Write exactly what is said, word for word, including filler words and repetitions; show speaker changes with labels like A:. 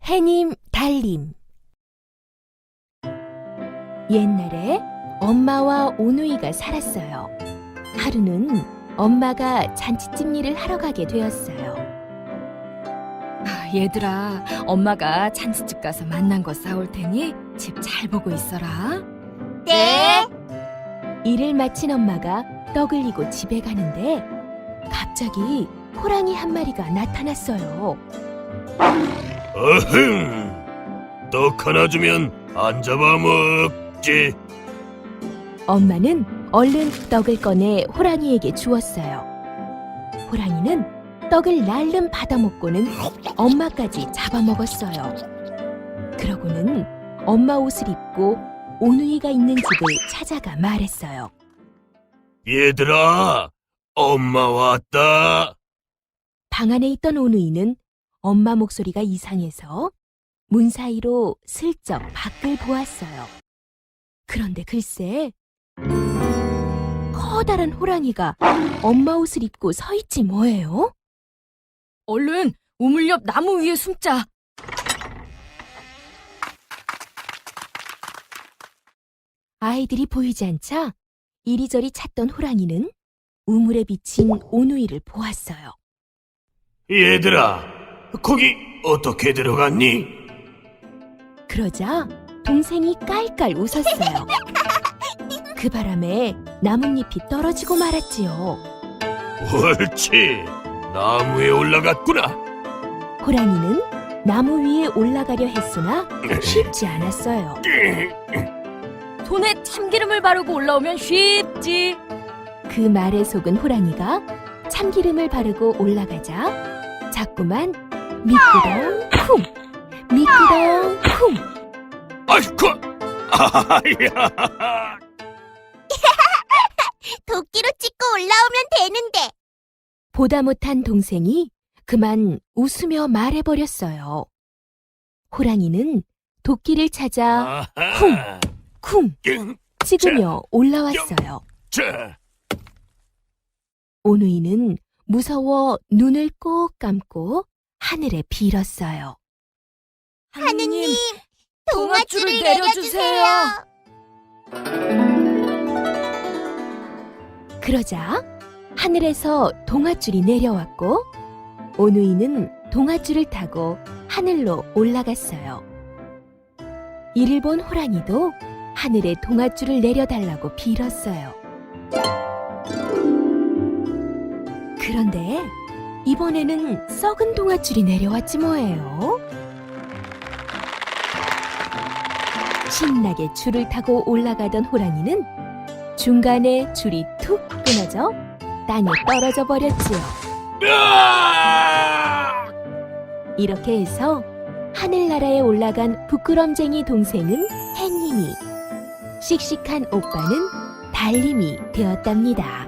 A: 해님, 달님. 옛날에 엄마와 오누이가 살았어요. 하루는 엄마가 잔치집 일을 하러 가게 되었어요.
B: 아, 얘들아, 엄마가 잔치집 가서 만난 거 싸올 테니 집 잘 보고 있어라.
C: 네.
A: 일을 마친 엄마가 떡을 이고 집에 가는데 갑자기 호랑이 한 마리가 나타났어요.
D: 어흥! 떡 하나 주면 안 잡아먹지.
A: 엄마는 얼른 떡을 꺼내 호랑이에게 주었어요. 호랑이는 떡을 날름 받아먹고는 엄마까지 잡아먹었어요. 그러고는 엄마 옷을 입고 오누이가 있는 집을 찾아가 말했어요.
D: 얘들아, 엄마 왔다.
A: 방 안에 있던 오누이는 엄마 목소리가 이상해서 문 사이로 슬쩍 밖을 보았어요. 그런데 글쎄, 커다란 호랑이가 엄마 옷을 입고 서 있지 뭐예요?
B: 얼른 우물 옆 나무 위에 숨자.
A: 아이들이 보이지 않자 이리저리 찾던 호랑이는 우물에 비친 오누이를 보았어요.
D: 얘들아, 거기 어떻게 들어갔니?
A: 그러자 동생이 깔깔 웃었어요. 그 바람에 나뭇잎이 떨어지고 말았지요.
D: 옳지, 나무에 올라갔구나.
A: 호랑이는 나무 위에 올라가려 했으나 쉽지 않았어요.
B: 손에 참기름을 바르고 올라오면 쉽지.
A: 그 말에 속은 호랑이가 참기름을 바르고 올라가자 자꾸만 미끄덩 쿵, 미끄덩 쿵.
D: 아이쿠, 아야.
C: 도끼로 찍고 올라오면 되는데.
A: 보다 못한 동생이 그만 웃으며 말해버렸어요. 호랑이는 도끼를 찾아
D: 아하.
A: 쿵
D: 응,
A: 찍으며 올라왔어요.
D: 자,
A: 오누이는 무서워 눈을 꼭 감고 하늘에 빌었어요.
C: 하느님,
B: 동아줄을
C: 동아줄을
B: 내려주세요.
C: 내려주세요.
A: 그러자 하늘에서 동아줄이 내려왔고 오누이는 동아줄을 타고 하늘로 올라갔어요. 이를 본 호랑이도 하늘에 동아줄을 내려달라고 빌었어요. 그런데 이번에는 썩은 동아줄이 내려왔지 뭐예요. 신나게 줄을 타고 올라가던 호랑이는 중간에 줄이 툭 끊어져 땅에 떨어져 버렸지요.
D: 으아!
A: 이렇게 해서 하늘나라에 올라간 부끄럼쟁이 동생은 해님이, 씩씩한 오빠는 달님이 되었답니다.